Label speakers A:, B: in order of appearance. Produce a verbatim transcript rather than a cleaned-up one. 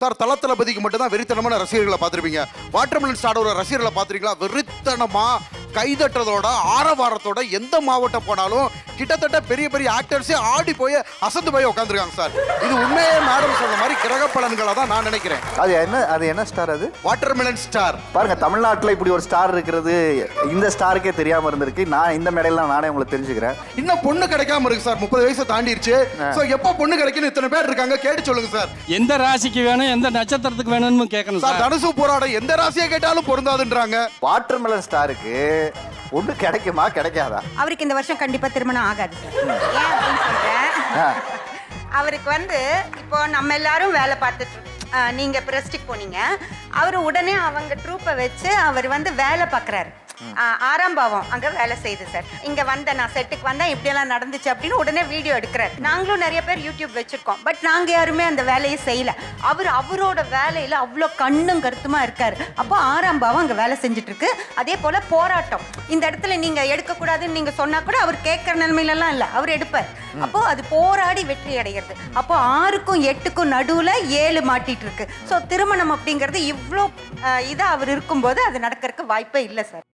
A: Sir தல தளபதிக்கு மட்டும் தான் வெறித்தனமான ரசிகர்களை பார்த்துருப்பீங்க. வாட்டர்மெலன் ஸ்டாரோட ரசிகர்களை பார்த்துருக்கீங்களா? வெறித்தனமா கைதட்டதோட ஆரவாரத்தோட எந்த மாவட்டம் போனாலும் கிட்டத்தட்ட பெரிய பெரிய ஆக்டர்ஸே ஆடி போய் அசந்து போய் உட்காந்துருக்காங்க சார். இது உண்மையே மேடம் சொன்ன மாதிரி கிரக பலன்களை தான் நான் நினைக்கிறேன்.
B: அது என்ன அது என்ன ஸ்டார் அது?
A: Watermelon star.
B: பாருங்க, தமிழ்நாட்டில் இப்படி ஒரு ஸ்டார் இருக்கிறது இந்த ஸ்டாருக்கே தெரியாம இருந்திருக்கு. நான் இந்த மேடையில நானே உங்களுக்கு தெரிஞ்சுக்கிறேன்.
A: இன்னும் பொண்ணு கிடைக்காம இருக்கு சார். முப்பது வயசு தாண்டிடுச்சு. சோ எப்போ பொண்ணு கிடைக்கும் இத்தனை பேர் இருக்காங்க, கேட்டு சொல்லுங்க சார்.
C: எந்த ராசிக்கு வேணும், எந்த நட்சத்திரத்துக்கு வேணும்னு கேட்கணும்
A: சார். தனுசு போராடம் எந்த ராசியை கேட்டாலும் பொருந்தாதுன்றாங்க.
B: வாட்டர்மெலன் ஸ்டாருக்கு ஒண்ணு கிடைக்குமா கிடைக்காதா?
D: அவருக்கு இந்த வருஷம் கண்டிப்பா திருமணம் ஆகாது சார். ஏன் அப்படின்னு சொல்றேன், அவருக்கு வந்து இப்போ நம்ம எல்லாரும் வேலை பார்த்துட்டு அஹ், நீங்க பிரஸ்டிக் போனீங்க, அவர் உடனே அவங்க ட்ரூப்பை வச்சு அவர் வந்து வேலை பார்க்குறாரு. ஆறாம் பாவம் அங்க வேலை செய்யுது சார். இங்க வந்த நான் செட்டுக்கு வந்தா இப்படியெல்லாம் நடந்துச்சு அப்படின்னு உடனே வீடியோ எடுக்கிறார். நாங்களும் நிறைய பேர் யூடியூப் வச்சிருக்கோம். பட் நாங்க யாருமே அந்த வேலையை செய்யல. அவர் அவரோட வேலையில அவ்வளோ கண்ணும் கருத்துமா இருக்காரு. அப்போ ஆறாம் பாவம் அங்க வேலை செஞ்சுட்டு இருக்கு. அதே போல போராட்டம் இந்த இடத்துல நீங்க எடுக்கக்கூடாதுன்னு நீங்க சொன்னா கூட அவர் கேட்கற நிலைமையிலலாம் இல்லை, அவர் எடுப்பார். அப்போ அது போராடி வெற்றி அடைகிறது. அப்போ ஆறுக்கும் எட்டுக்கும் நடுவுல ஏழு மாட்டிட்டு இருக்கு. ஸோ திருமணம் அப்படிங்கிறது இவ்வளோ இதா அவர் இருக்கும்போது அது நடக்கிறதுக்கு வாய்ப்பே இல்லை சார்.